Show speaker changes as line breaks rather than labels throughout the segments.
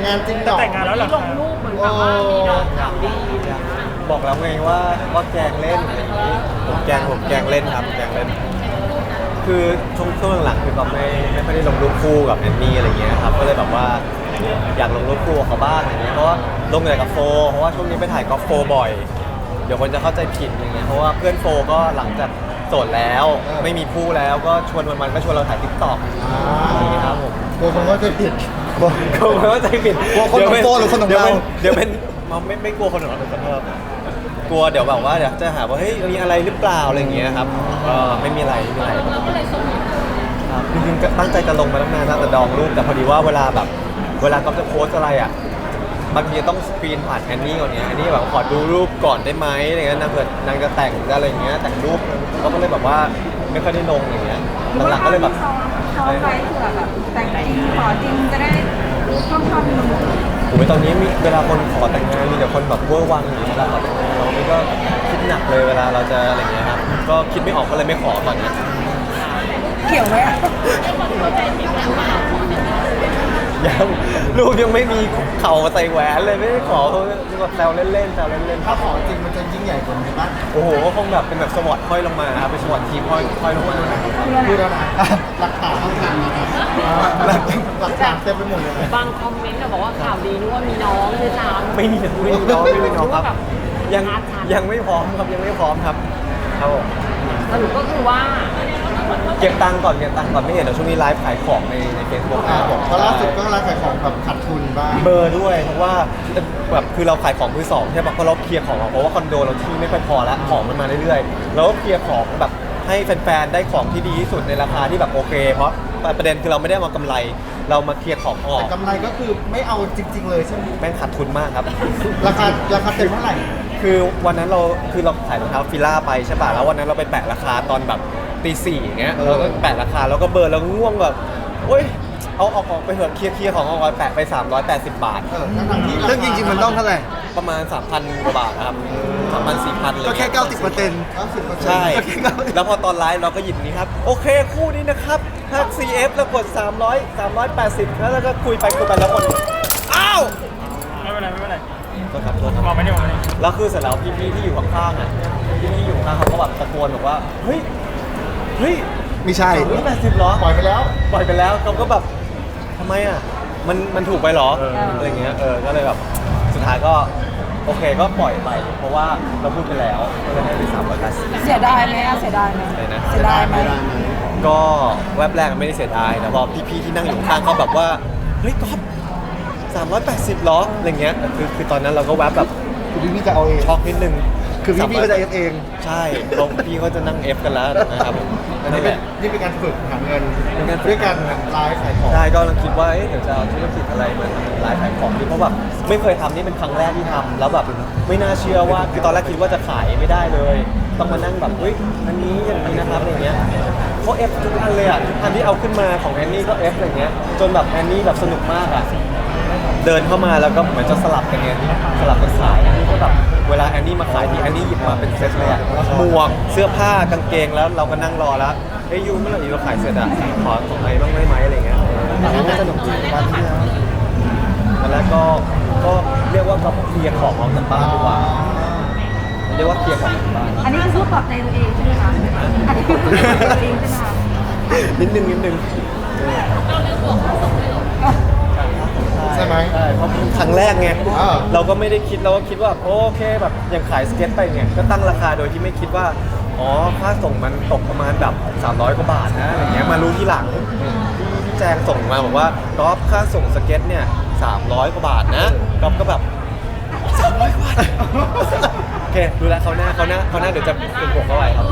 งานจริงเหรอ
แต่งงานแล้วเหรอ
ลงรูปเหมือนแบบว่ามีน้องข่าวดีอะไรอย่างเงี้ย
บอกแล้วไงว่าแกล้งเล่นอะไรอย่างนี้ผมแกล้งเล่นครับแกล้งเล่นคือช่วงหลังๆคือแบบไม่ค่อยได้ลงรูปคู่กับแอนนี่อะไรเงี้ยครับก็เลยแบบว่าอยากลงรูปคู่กับเขาบ้างอะไรเงี้ยเพราะว่าลงแต่กับโฟเพราะว่าช่วงนี้ไปถ่ายกอล์ฟโฟบ่อยเดี๋ยวคนจะเข้าใจผิดอย่างเงี้ยเพราะว่าเพื่อนโฟก็หลังจากโสดแล้วไม่มีคู่แล้วก็ชวนวันๆก็ชวนเราถ่ายติ๊กต็อกอะไรอย่างเงี้ยครับผม
กลัวคนเข้าใจผิด
กลัวเข้าใจผิด
กลัวคนของโฟหรือคนของเรา
เดี๋ยวเป็นไม่กลัวคนของเราขอโทษกลัวเดี๋ยวแบบว่าเดี๋ยวจะหาว่าเฮ้ยมีอะไรหรือเปล่าอะไรอย่างเงี้ยครับก็ไม่มีอะไรไม่มีอะไร
เราก็เลยส่ง
ครับจริงๆก็ตั้งใจจะลงมาตั้งนานแล้วแต่ดองรูปแต่พอดีว่าเวลาก็จะโพสอะไรอ่ะบางทีต้องสกรีนผ่านแอนนี่ก่อนเนี่ยแอนนี่แบบขอดูรูปก่อนได้ไหมอะไรเงี้ยนางเกิดนางจะแต่งอะไรอย่างเงี้ยแต่งรูปก็เลยแบบว่าไม่ค่อยได้ลงอย่างเงี้ยหลังๆก็เลยแบบ
ซ้อมไว้เผื่อแบบแต่งจริงขอจริงจะได้ค่อนๆนึง
โอ้ยตอนนี้มีเวลาคนขอแต่งงานมีแต่คนแบบเวอร์วังอย่างเงี้ยเวลาขอแต่งงานเรานี่ก็คิดหนักเลยเวลาเราจะอะไรเงี้ยครับก็คิดไม่ออกก็เลยไม่ขอตอนนี้
เกี่ยวไหมอะ
ยังรูปยังไม่มีเข่าใส่แหวนเลยไม่ได้ขอเขาแซวเล่นๆแซวเล่นๆ
ถ้าขอจริงมันจะยิ่งใหญ่กว่านี้ป่ะ
โอ้โหก็คงแบบเป็นแบบสวอตห้อยลงมาครับเป็นสวอตทีมห้อยลงมา
พูดแล้วนะหลักฐานต้องการนะครับหลักฐานเต็มไปหมดเลย
บางคอมเมนต์ก็บอกว่าข่าวดีนึกว่ามีน้องด้วยซ้ำ
ไม่มีน้องครับยังไม่พร้อมครับยังไม่พร้อมครับครับผม
สรุปก็คือว่า
เก็บตังค์ก่อนไม่เห็นเดี๋ยวช่วงนี้ไลฟ์ขายของในเฟซบุ๊ก
เพราะล่าสุดก็ร้านขายของแบบขาดทุนบ้าง
เบอร์ด้วยเพราะว่าแบบคือเราขายของมือสองใช่ปะเพราะเราเคลียร์ของเพราะว่าคอนโดเราที่ไม่ค่อยพอแล้วของมันมาเรื่อยๆเราก็เคลียร์ของแบบให้แฟนๆได้ของที่ดีที่สุดในราคาที่แบบโอเค เพราะประเด็นคือเราไม่ได้มากำไรเรามาเคลียร์ของออก
แต่กำไรก็คือไม่เอาจริง ๆ เลยใช่ไหม
แม่งขาดทุนมากครับ
ราคาเต็มเท่าไหร่
คือวันนั้นเราขายรองเท้าฟิล่าไปใช่ป่ะแล้ววันนั้นเราไปแปะราคาตอนแบบตีสี่อย่างเงี้ยเราก็แปะราคาแล้วก็เบอร์แล้วง่วงแบบโอ๊ยเอาออกไปเถอะเคลียร์ของเอาไปแปะไป380 บาท
ทั้งที่
ซึ่งจริงๆมันต้องเท่าไหร่
ประมาณ 3,000 กว่าบาทนะครับ3,000 4,000เลย
ก็แค่ 90%
90%
ใช่ แล้วพอตอนไลฟ์เราก็หยิบนี้ครับโอเคคู่นี้นะครับถ้า CF แล้วกด380แล้วก็คุยไปแล้วคนอ้าว
ไม่เป็นไรไม่เป็นไร
โทษครับโทษครับ
มองไม่ได้มองไม่ได้
แล้วคือเสร็จแล้วพี่ๆที่อยู่ข้างๆอ่ะพี่ๆที่อยู่ข้างเขาก็แบบตะโกนบอกว่าเฮ้ย
ไม่ใช่
380เหรอ
ปล่อยไปแล้ว
ปล่อยไปแล้วเขาก็แบบทำไมอ่ะมันถูกไปเหรออะไรเงี้ยก็เลยแบบสุดท้ายก็โอเคก็ปล่อยไป เพราะว่าเราพูดไปแล้วก็เลยให้ไป380
เสียดายไหมอะเสียดายไหม
เลยนะ
เสียดายไหม
ก็แวบแรกไม่ได้เสียดายแต่พอพี่ๆที่นั่งอยู่ข้างเขาแบบว่าเฮ้ยก๊อฟ380เหรออะไรเงี้ยคือตอนนั้นเราก็แวบแบบ
คือพี่จะเอาเอง
ช็อกนิดนึง
คือพี่ก็จะเอฟเอง
ใช่เพราะพี่เขาจะนั่ง F กันแล้วนะครับผม
อัน
นั่
นี้
นแห
เป็น
ละ
นี่เป็นการฝึกหาเงิน
เป็นการฝึก
ด้วยการไลฟ์ขายของ
ใช่ก็กำลังคิดว่าเดี๋ยวจะเอาธุรกิจอะไรมาทำไลฟ์ขายของดีเพราะแบบไม่เคยทำนี่เป็นครั้งแรกที่ทำแล้วแบบไม่น่าเชื่อว่าคือตอนแรกคิดว่าจะขายไม่ได้เลย ต้องมานั่งแบบเฮ้ยอันนี้อย่างนี้นะครับอะไรเงี้ยเขา F ทุกอันเลยอ่ะทุกอันที่เอาขึ้นมาของแอนนี่ก็ F อะไรเงี้ยจนแบบแอนนี่แบบสนุกมากอ่ะเดินเข้ามาแล้วก็เหมือนจะสลับกันไงสลับกันขายอันนี้ก็แบบเวลาแอนนี่มาขายทีแอนนี่หยิบมาเป็นเซตเลยอ่ะหมวกเสื้อผ้ากางเกงแล้วเราก็นั่งรอแล้วเฮ้ยยูเมื่อไหร่เราขายเสร็จอ่ะขอของอะไรบ้างได้ไหมอะไรเงี้ยสนุกจริงบ้านที่แล้วแล้วก็เรียกว่าก็เคลียร์ของออกจากบ้านดีกว่าเรียกว่าเคลียร์ของออกจากบ้าน
อันนี้คือพูดปลอบใจตัวเองใช่ไหมคะอันนี้คือพูดปลอบใจตัวเองใช่ไหมคะ
นิดนึง
ใช่ไหม
ใช่เพราะครั้งแรกไง
อ่า
เราก็ไม่ได้คิดเราก็คิดว่าโอเคแบบอย่างขายสเก็ตไปเนี่ยก็ตั้งราคาโดยที่ไม่คิดว่าอ๋อค่าส่งมันตกประมาณแบบ300 กว่าบาทนะอะไรเงี้ยมารู้ทีหลังที่แจงส่งมาบอกว่าก๊อฟค่าส่งสเก็ตเนี่ย300 กว่าบาทนะก๊อฟก็แบบ300 กว่าบาทโอเคดูแลเขาหน้าเดี๋ยวจะเป็นบวกเข้าไปครับ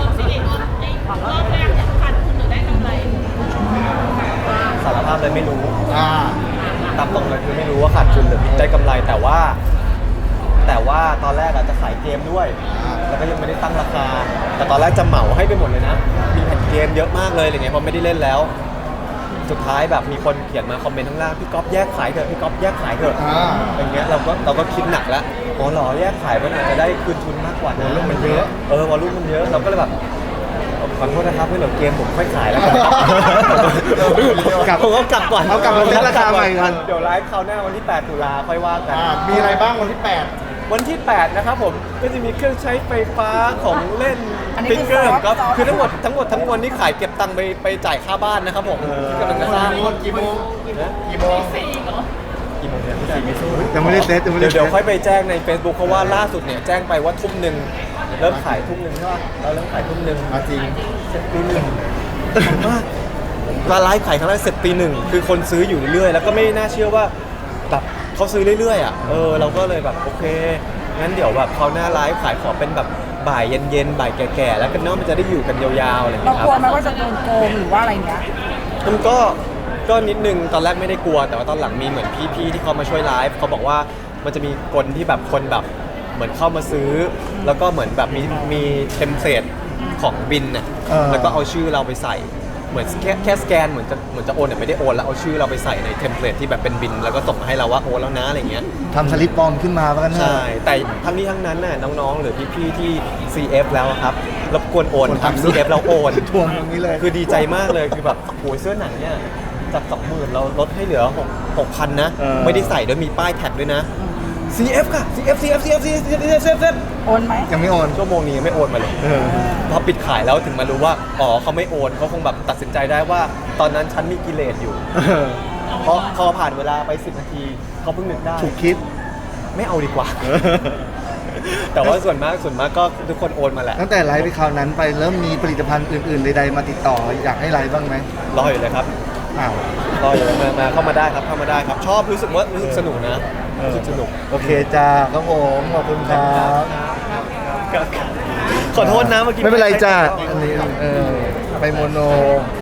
สารภาพเลยไม่รู้ ตามตรงเลยคือไม่รู้ว่าขาดทุนหรือได้กำไรแต่ว่าตอนแรกอาจจะขายเกมด้วย แล้วก็ยังไม่ได้ตั้งราคา แต่ตอนแรกจะเหมาให้ไปหมดเลยนะมีแผ่นเกมเยอะมากเลยอะไรเงี้ยเพราะไม่ได้เล่นแล้ว สุดท้ายแบบมีคนเขียนมาคอมเมนต์ข้างล่างพี่ก๊อฟแยกขายเถอะพี่ก๊อฟแยกขายเถอะอย่างเงี้ยเราก็คิดหนักแล้วอ๋อเหรอแยกขายมันอาจจะได้คืนทุนมากกว่านะ
วอลลุ่มมันเยอะ
วอลลุ่มมันเยอะเราก็เลยแบบโอเคขอโทษนะครับไม่เหลือเกมผมค่อยขายแล้วกัน
กลับ
ผมก็กลับก่อน
เอากลับมาเซ็ตราคาใหม่ก่อน
เดี๋ยวไลฟ์คราวหน้าวันที่ 8 ตุลาค่อยว่ากัน
มีอะไรบ้างวันที่
วันที่ 8 นะครับผมก็จะมีเครื่องใช้ไฟฟ้าของเล่น
อันนี้
ติ๊กเกอร์
คือ
ก็
ซอฟต์
คือทั้งหมดมวลนี่ขายเก็บตังค์ไปจ่ายค่าบ้านนะครับผมที่กำลังจะสร้าง
8กี่โมงกี่โมง
กี่โมงเนี่ยไม่สู้
ยังไม่ได้เซ็ตยังไม่ได้
เดี๋ยว
ซ็ต
ค่อยไปแจ้งใน Facebook เพราะว่าล่าสุดเนี่ยแจ้งไปว่าทุ่มหนึ่งเริ่มขายทุ่มหนึ่งใช่ป่ะเราเริ่มขายทุ่มหนึ่ง
จริง
เสร็จตีหนึ่งมากร้านไลฟ์ขายครั้งแรกเสร็จตีหนึ่งคือคนซื้ออยู่เรื่อยๆแล้วก็ไม่น่าเชื่อว่าแบบเขาซื้อเรื่อยๆอ่ะเราก็เลยแบบโอเคงั้นเดี๋ยวแบบเขาวหน้าไลฟ์ขายขอเป็นแบบบ่ายเย็นๆบ่ายแก่ๆแล้วกันเนาะมันจะได้อยู่กันยาวๆอะไรอย่าง
เรา
เงี้ยค
กลัว
รับ
ไหมว่าจะโดนโกงหรือว่าอะไรเงี้ย
มันก็นิดนึงตอนแรกไม่ได้กลัวแต่ว่าตอนหลังมีเหมือนพี่ๆที่เขามาช่วยไลฟ์เขาบอกว่ามันจะมีคนที่แบบคนแบบเหมือนเข้ามาซื้อ แล้วก็เหมือนแบบมีเทมเพลตของบินน่ะแล้วก็เอาชื่อเราไปใส่เหมือนแค่สแกนเหมือนจะโอนแต่ไม่ได้โอนแล้วเอาชื่อเราไปใส่ในเทมเพลตที่แบบเป็นบินแล้วก็ส่งมาให้เราว่าโอนแล้วนะอะไรเงี้ย
ทำสลิปปลอมขึ้นมาว่ากันเถ
ใช่
อะ
แต่ทั้งนี้ทั้งนั้นน่ะน้องๆหรือพี่ๆที่ CF แล้วอะครับรบกวนโอนครับ CF เราโอน
ทวงตรงนี้เลย
คือดีใจมากเลยคือแบบโอ้ยเสื้อหนังเนี่ยจาก 20,000 เราลดให้เหลือ 6,000 นะ ไม่ได้ใส่ด้วยมีป้ายแท็กด้วยนะ CF ค่ะ CF
โอนไหม
ยังไม่โอน
ชั่วโมงนี้ยังไม่โอนมาเลย พอปิดขายแล้วถึงมารู้ว่า อ๋อเขาไม่โอนเขาคงแบบตัดสินใจได้ว่า ตอนนั้นฉันมีกิเลสอยู่พอผ่านเวลาไป 10 นาทีเขาเพิ่งนึกได้
ถูกคิด
ไม่เอาดีกว่า แต่ว่าส่วนมากก็ทุกคนโอนมาแหละ
ตั้งแต่ไลฟ์ไปคราวนั้นไปเริ่มมีผลิตภัณฑ์อื่นๆใดๆมาติดต่ออยากให้ไลฟ์บ้างไหม
รออยู่เลยครับ
อ้าว
รออยู่เลยมาเข้ามาได้ครับเข้ามาได้ครับ ชอบรู้สึกสนุกนะรู้สึกสนุก
โอเคจ้าครับผมขอบคุณครับ
ขอโทษนะเมื่อกี้
ไม่เป็นไรจ้าอันนี้ไปโมโน